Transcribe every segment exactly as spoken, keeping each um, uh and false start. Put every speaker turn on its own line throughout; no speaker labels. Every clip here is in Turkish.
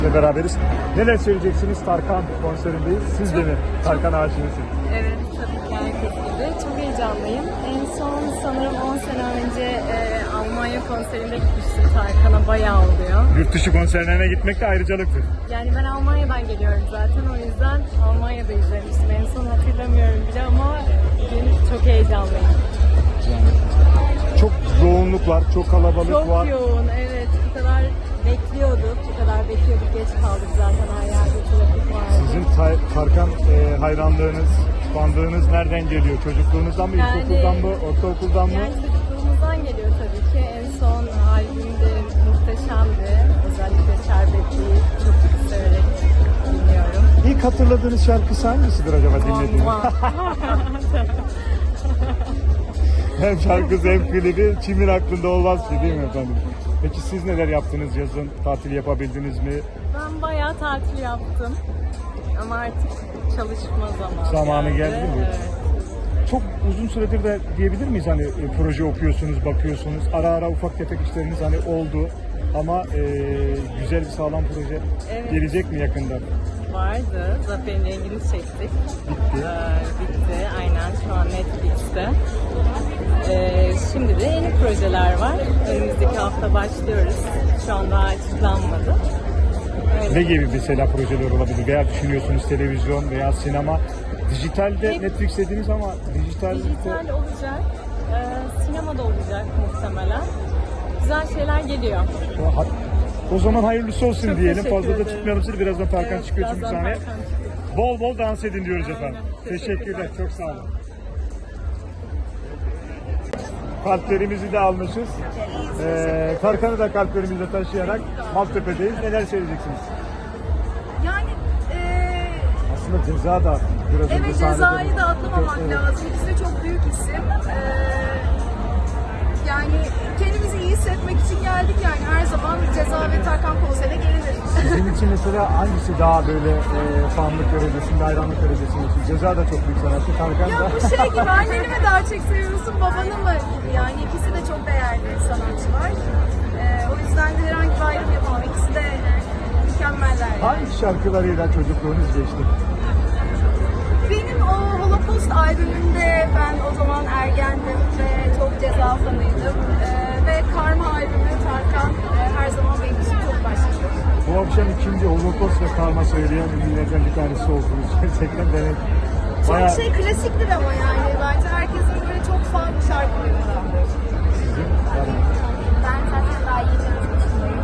beraberiz. Neler söyleyeceksiniz? Tarkan konserindeyiz. Siz de mi Tarkan aşığısınız?
Evet, tabii ki herkes gibi. Çok heyecanlıyım. En son sanırım on sene önce e, Almanya konserinde gitmiştim Tarkan'a. Bayağı oluyor.
Yurt dışı konserlerine gitmek de ayrıcalıktır.
Yani ben Almanya'dan geliyorum zaten. O yüzden Almanya'da izlemiştim. En son hatırlamıyorum bile ama bugün çok heyecanlıyım.
Çok yoğunluk var, çok kalabalık
Çok
var.
yoğun, evet. Bu kadar bekliyorduk. Bu kadar bekliyorduk. Geç kaldık zaten. Her yerde trafik vardı.
Sizin Ta- Tarkan e, hayranlığınız, bandığınız nereden geliyor? Çocukluğunuzdan mı,
Yani-
ilkokuldan mı, ortaokuldan mı?
Yani çocukluğumuzdan geliyor tabii ki. En son albümde muhteşemdi. Özellikle Şerbetli'yi çok severek dinliyorum.
İlk hatırladığınız şarkısı hangisidir acaba dinlediğiniz? Hem şarkısı hem klibi kimin aklında olmaz ki, değil mi efendim? Peki siz neler yaptınız yazın? Tatil yapabildiniz mi?
Ben bayağı tatil yaptım. Ama artık çalışma zamanı.
Zamanı geldi mi?
Evet.
Çok uzun süredir de diyebilir miyiz hani e, proje okuyorsunuz, bakıyorsunuz. Ara ara ufak tefek işleriniz hani oldu. Ama e, güzel bir sağlam proje
Evet.
gelecek mi yakında?
Vardı. Zafer'in rengini çektik.
Bitti.
Ee, bitti. Aynen. Şu an Netflix'te. Ee, şimdi de yeni projeler var. Önümüzdeki hafta başlıyoruz. Şu an daha açıklanmadı. Öyle.
Ne gibi mesela projeler olabilir? Veya düşünüyorsunuz televizyon veya sinema? Dijitalde
Hep-
Netflix dediniz ama dijital...
Dijital olacak. Ee, sinemada olacak muhtemelen. Güzel şeyler geliyor.
Ha- O zaman hayırlısı olsun
Çok
diyelim.
teşekkür
Fazla da
ederim.
tutmayalım sizi. Birazdan Tarkan
Evet,
çıkıyor çünkü
birazdan
sahneye.
Tarkan çıkıyor.
Bol bol dans edin diyoruz
Aynen.
efendim.
Teşekkürler.
Teşekkürler. Çok sağ olun. Kalplerimizi de almışız. Ee, Tarkan'ı da kalplerimizde taşıyarak Maltepe'deyiz. Neler söyleyeceksiniz?
Yani eee
Aslında ceza da biraz önce
evet
sahnede-
cezayı da atlamamak
Evet.
lazım. İkisi de çok büyük isim. Eee, yani kendimizi iyi hissetmek için geldik yani her zaman Ceza ve Tarkan konserine gelinir.
Sizin için mesela hangisi daha böyle e, fanlık derecesinde, hayranlık derecesinde? Çünkü Ceza da çok büyük sanatçı, Tarkan
Ya
da.
bu şey gibi anneni mi daha çok seviyorsun babanı mı gibi yani ikisi de çok değerli sanatçılar. Eee, o yüzden de herhangi bir ayrım yapamam. İkisi de mükemmeller.
Hangi şarkılarıyla çocukluğunuz geçti?
Benim o Holocaust albümünde ben o zaman ergendim ve çok Ceza fanıydım. Ee, ve Karma albümü Tarkan e, her zaman benim için çok başlıyor.
Bu akşam ikinci Holocaust ve Karma söyleyen ünlülerden bir tanesi oldunuz. Gerçekten demek.
Çok
Bayağı
şey klasiktir ama yani bence herkesin böyle çok fan şarkıları var.
sizin. Yani
Ben zaten daha yeni yaşındayım.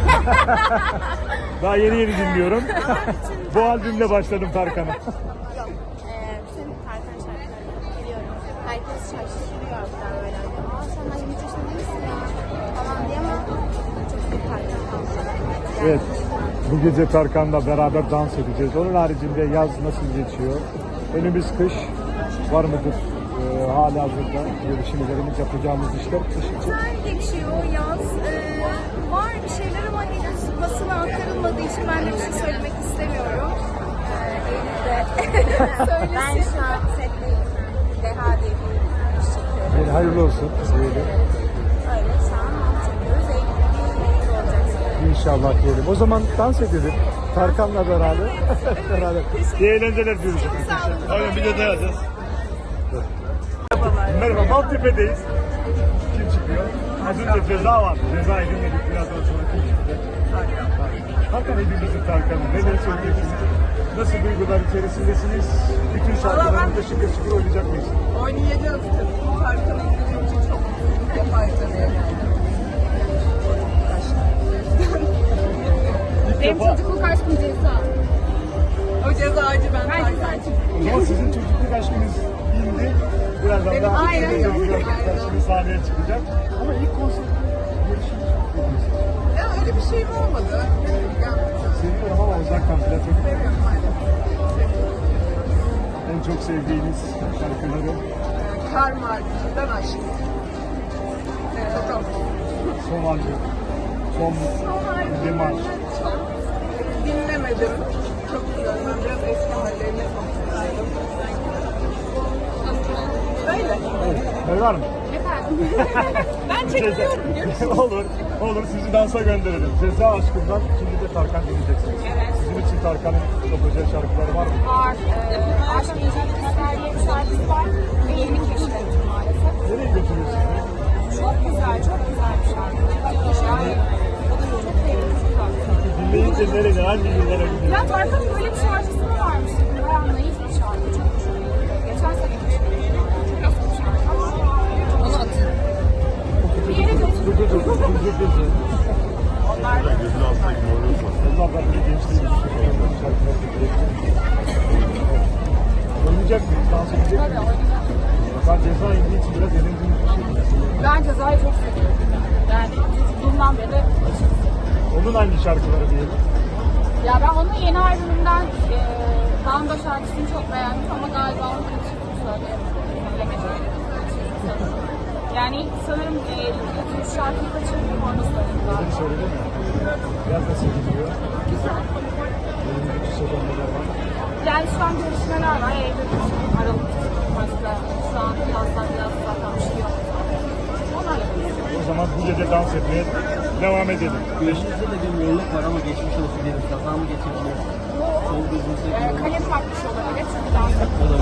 daha yeni yeni dinliyorum. Bu albümle başladım Tarkan'a.
Yok, e, bütün Tarkan şarkılarını biliyorum. Herkes şaşırıyor hatta böyle. Aa sen daha yirmi üç yaşında değilsin ya falan diye ama çok büyük Tarkan fanı.
Evet. Bu gece Tarkan'la beraber dans edeceğiz. Onun haricinde yaz nasıl geçiyor? Önümüz kış. Var mıdır e, hala hazırda görüşmelerimiz, yapacağımız işler kış için?
Güzel geçiyor yaz. Ee, var bir şeyler ama henüz basına aktarılmadığı için ben de bir şey söylemek istemiyorum. Ee, Eylül'de söylesin. Ben şu an setteyim. Deha diye bir iş çekiyorum.
Yani hayırlı olsun. Diyelim.
Öyle şu an çekiyoruz. Eylül'de bir yayın olacak sanırım.
İnşallah diyelim. O zaman dans edelim. Tarkan'la beraber. beraber. İyi eğlenceler diyoruz.
Çok sağ olun.
Aynen bir de dayanacağız. Merhaba, Maltepe'deyiz. Kim çıkıyor? Az önce Ceza vardı. Ceza'yı dinledik. Birazdan sonra kim çıktı? Tarkan. Tarkan hepimizin Tarkan'ı. Neler söyleyeceksiniz? Nasıl duygular içerisindesiniz? Bütün şarkılarında şıkır şıkır oynayacak mıyız?
Oynayacağız tabii. Tarkan'ın bizim için çok büyük bir parçalıya geldi.
İlk
Benim
defa.
çocukluk aşkım Ceza.
O cezacı ben Tarkan.
O zaman sizin çocukluk aşkınız indi. Birazdan
Benim
daha
aynen öyle.
şimdi sahneye çıkacak. Ama ilk konser görüşümüz çok iyi.
Ya öyle bir şeyim olmadı. Yani,
Seviyorum ama uzaktan bile çok
seviyorum hala.
en çok sevdiğiniz şarkıları
Kar Markı'dan aşk. Evet, o çok.
son albüm, son demarş.
Çok dinlemedim. Çok güzel. Ben biraz eski hallerine konuşsaydım. Öyle.
Evet, var mı?
Efendim?
Ben çekiliyorum.
Ceza- olur, olur. Sizi dansa gönderelim. Ceza aşkından şimdi de Tarkan dinleyeceksiniz.
Evet.
Sizin için Tarkan'ın çok özel şarkıları var mı?
Var. E, Aşk İlişki İster diye bir şarkısı var. Ve yeni keşfettim maalesef.
Nereye götürüyorsunuz?
Çok güzel, çok güzel bir şarkı. Yani o da çok sevdim. Çok güzel.
Dinleyince nereye, hangi yıllara gidiyor?
Ya Tarkan'ın böyle bir şarkısı mı varmış? Bayağı naif bir şarkı. Çok hoşuma gitti. Geçen sene keşfettim. Çok eski bir şarkı ama onu atın. Bir yere götür.
Dur dur dur, dur dur dur dur.
Onlar da
Allah Rabbim gençliğimizi şarkıları dinleyelim. Oynayacak mıyız? Dans edecek
tabii
miyiz?
oynayacağım.
Ben ceza indiği için biraz eğlendiğimiz bir şey.
Ben Ceza'yı çok seviyorum. Yani çocukluğumdan beri aşırı seviyorum.
Onun hangi şarkıları diyelim?
Ya ben onun yeni albümünden e, Danda şarkısını çok beğendim ama galiba onu kaçırdım söyleyemedim. Bilemedim. Yani ilk sanırım e, ilk üç şarkıyı kaçırdım orada söyledim
Beni
galiba.
söyledin mi? Biraz nasıl gidiyor?
Güzel.
Önümüzdeki sezonda var.
Yani şu an görüşmeler var. Eylül, Aralık, başka şu an yazdan biraz zaten bir şey yok. Onlar yapıyoruz.
O zaman bu gece dans etmeye devam edelim.
Eşinizde de bir yolluk var ama geçmiş olsun diyelim. Kaza mı geçirdiniz? Sol gözünüzü
E, kalem farkmış olabilir çünkü dans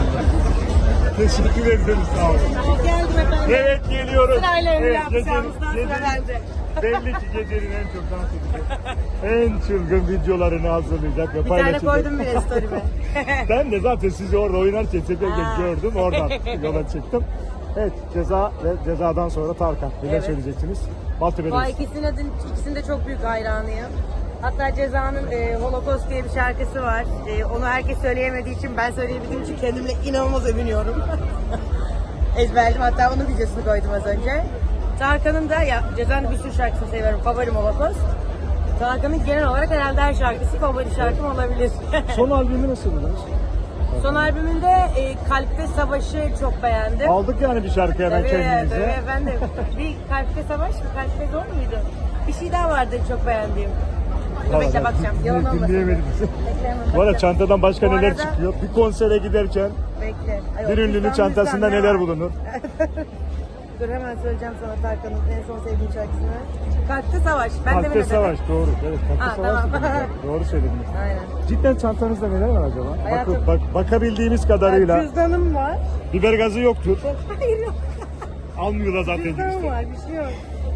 Teşekkür ederiz, sağ olun.
Geldim efendim.
Evet, geliyoruz.
Sırayla öyle
Evet,
yapacağımızdan
gecenin-
sıra bende.
Belli ki gecenin en çok dans edecek, en çılgın videolarını hazırlayacak ve
Bir tane
paylaşacak.
koydum bile story'me.
Ben de zaten sizi orada oynarken çekerken
Ha.
gördüm, oradan yola çıktım. Evet, Ceza ve Ceza'dan sonra Tarkan. Neler
Evet.
söyleyeceksiniz?
Bu
Maltepe'deyiz.
ikisinin, ikisinin de çok büyük hayranıyım. Hatta Ceza'nın e, Holocaust diye bir şarkısı var. E, onu herkes söyleyemediği için ben söyleyebildiğim için kendimle inanılmaz övünüyorum. Ezberledim, hatta onun videosunu koydum az önce. Tarkan'ın da, ya Ceza'nın bir sürü şarkısını seviyorum. Favorim Holocaust. Tarkan'ın genel olarak herhalde her şarkısı favori şarkım olabilir.
Son albümü nasıl buldunuz?
Son albümünde e, Kalpte Savaş'ı çok beğendim.
Aldık yani bir şarkı hemen
Tabii,
kendimize.
tabii efendim. Bir Kalpte Savaş mı? Kalpte Zor muydu? Bir şey daha vardı çok beğendiğim. Dur
Vallahi
bekle bakacağım.
din-
Yalan olmasın.
Dinleyemedim.
Bekle hemen
Bu arada
bakacağım.
çantadan başka
Bu
neler
arada-
çıkıyor? Bir konsere giderken
Bekle. Ay,
bir
o
ünlünün
cüzdan
çantasında
müzdan ne
neler
var?
bulunur?
Dur hemen söyleyeceğim sana Tarkan'ın en son sevdiğim şarkısını. Kalpte Savaş. Ben
Kalpte
demin
Savaş, doğru. Evet, Kalpte
Ha,
Savaş
tamam.
dediniz. Doğru söylediniz.
Aynen.
Cidden çantanızda neler var acaba?
Hayatım-
Bakın, bak, bakabildiğimiz kadarıyla
Cüzdanım var.
biber gazı yoktur.
Hayır yok.
Almıyorlar zaten
Cüzdanım
girişte.
var. Bir şey yok.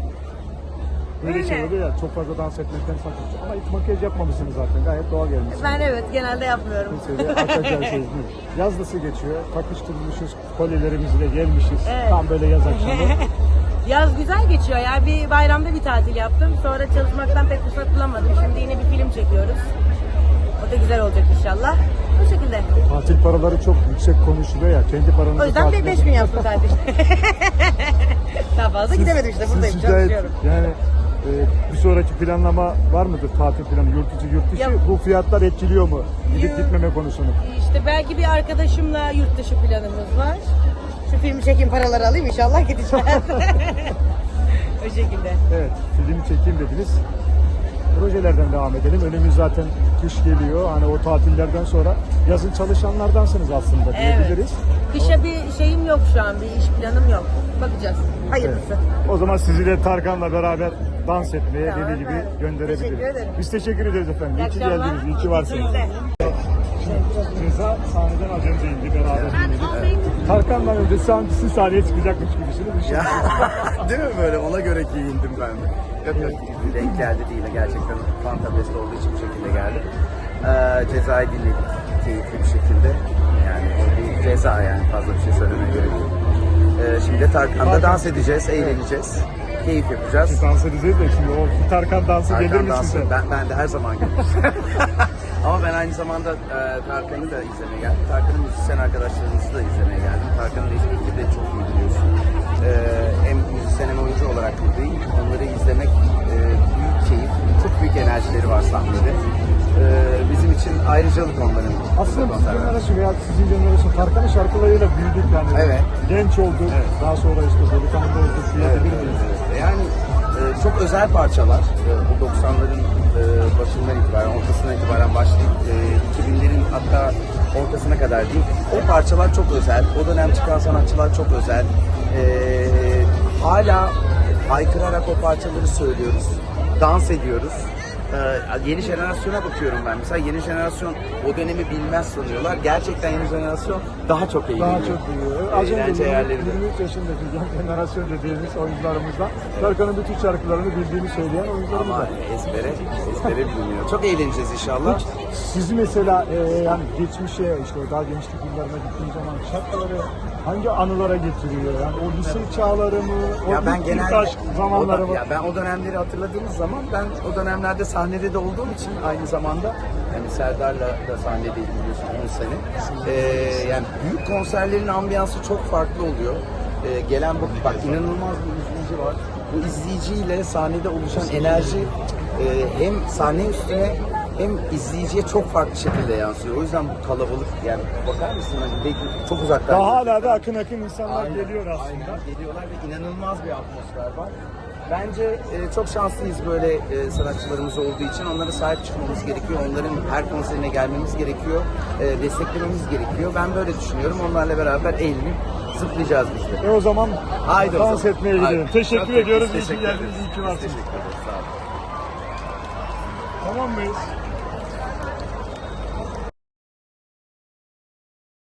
Böyle
Öyle.
şey oluyor ya, çok fazla dans etmekten sakınca. Ama hiç makyaj yapmamışsınız zaten. Gayet doğal gelmişsiniz.
Ben evet genelde yapmıyorum.
Kimseyle arkadaşlar şey değil. Yaz nasıl geçiyor? Takıştırmışız, kolyelerimizle gelmişiz.
Evet.
Tam böyle yaz akşamı.
Yaz güzel geçiyor ya. Bir bayramda bir tatil yaptım. Sonra çalışmaktan pek fırsat bulamadım. Şimdi yine bir film çekiyoruz. O da güzel olacak inşallah. Bu şekilde.
Tatil paraları çok yüksek konuşuluyor ya. Kendi paranızı
O yüzden
tatil
bir beş
yapın.
gün yaptım tatil. Daha fazla gidemedim işte. Buradayım.
Siz şikayet,
Çalışıyorum.
yani e, bir sonraki planlama var mıdır tatil planı? Yurt içi yurt dışı
Ya-
bu fiyatlar etkiliyor mu? Gidip
Yo-
gitmeme konusunu.
İşte belki bir arkadaşımla yurt dışı planımız var. Şu filmi çekeyim, paraları alayım inşallah gideceğiz. O şekilde.
Evet, film çekeyim dediniz. Projelerden devam edelim. Önümüz zaten kış geliyor. Hani o tatillerden sonra yazın çalışanlardansınız aslında diyebiliriz.
Kışa bir şeyim yok şu an, bir iş planım yok. Bakacağız. Hayırlısı.
O zaman sizi de Tarkan'la beraber dans etmeye
Tamam,
dediği gibi
efendim.
gönderebiliriz.
Teşekkür ederim.
Biz teşekkür ederiz efendim. İyi ki
akşamlar.
geldiniz, iyi ki varsınız.
Siz de.
Ceza sahneden az önce indi, beraber dinledik. Tarkan'dan önce sanki siz sahneye çıkacakmış gibisiniz.
Ya, değil mi böyle? Ona göre giyindim ben de. Yok yok, denk geldi değil. Gerçekten Fantabest olduğu için bu şekilde geldi. Ee, cezayı dinledik keyifli bir şekilde. Yani o bir ceza yani, fazla bir şey söylemeye gerek yok. Ee, şimdi de Tarkan'da dans edeceğiz, eğleneceğiz. Keyif yapacağız.
Siz dans edeceğiz de şimdi o Tarkan dansı gelir
Tarkan
mi
dansı,
size?
ben, ben de her zaman gelirim. Ama ben aynı zamanda e, Tarkan'ı da izlemeye geldim. Tarkan'ın müzisyen arkadaşlarımızı da izlemeye geldim. Tarkan'ın eskilikleri de çok iyi biliyorsun. E, hem müzisyen hem oyuncu olarak buradayım. Onları izlemek e, büyük keyif. Çok büyük enerjileri var sahnede. E, bizim için ayrıcalık onların.
Aslında
burada
bizim
konser vermesi.
jenerasyon veya sizin jenerasyon Tarkan'ın şarkılarıyla büyüdük yani.
Evet.
Genç olduk, daha sonra işte delikanlı olduk diyebilir miyiz?
Yani e, çok özel parçalar. E, bu doksanların e, başından itibaren, ortasından itibaren başlayıp e, iki binlerin hatta ortasına kadar diyeyim. O parçalar çok özel. O dönem çıkan sanatçılar çok özel. E, hala haykırarak o parçaları söylüyoruz. Dans ediyoruz. Ee, yeni jenerasyona bakıyorum ben. Mesela yeni jenerasyon o dönemi bilmez sanıyorlar. Gerçekten yeni jenerasyon daha çok eğleniyor.
Daha çok iyi. Az önce
Eğlence yerlerinde.
yirmi üç yaşındaki genç jenerasyon dediğimiz oyuncularımızdan Tarkan'ın bütün şarkılarını bildiğini söyleyen oyuncularımız
Ama
var.
ezbere, ezbere biliniyor. Çok eğleneceğiz inşallah.
Siz mesela e, yani geçmişe işte daha gençlik yıllarına gittiğiniz zaman şarkıları hangi anılara getiriyor? Yani o lise çağları mı? O
Ya ben
ilk
genelde
aşk zamanları
o da-
mı?
ya ben o dönemleri hatırladığımız zaman ben o dönemlerde sahnede de olduğum için aynı zamanda hani Serdar'la da sahnedeydim biliyorsun on sene. Ee, yani büyük konserlerin ambiyansı çok farklı oluyor. Ee, gelen bu bak inanılmaz bir izleyici var. Bu izleyiciyle sahnede oluşan enerji e, hem sahne üstüne hem izleyiciye çok farklı şekilde yansıyor. O yüzden bu kalabalık yani bakar mısın hani belki çok uzaktan.
Daha hala da akın akın insanlar
Aynen,
geliyor aslında.
aynen geliyorlar ve inanılmaz bir atmosfer var. Bence e, çok şanslıyız böyle e, sanatçılarımız olduğu için. Onlara sahip çıkmamız gerekiyor. Onların her konserine gelmemiz gerekiyor. E, desteklememiz gerekiyor. Ben böyle düşünüyorum. Onlarla beraber eğlenip zıplayacağız biz de.
E o zaman
Haydi o
dans
zaman.
etmeye gidelim.
Haydi.
Teşekkür
Çok
ediyoruz. İyi
teşekkür
ki geldiniz.
ederiz.
İyi ki
Biz
varsınız.
Teşekkür ederiz. Sağ olun.
Tamam mıyız?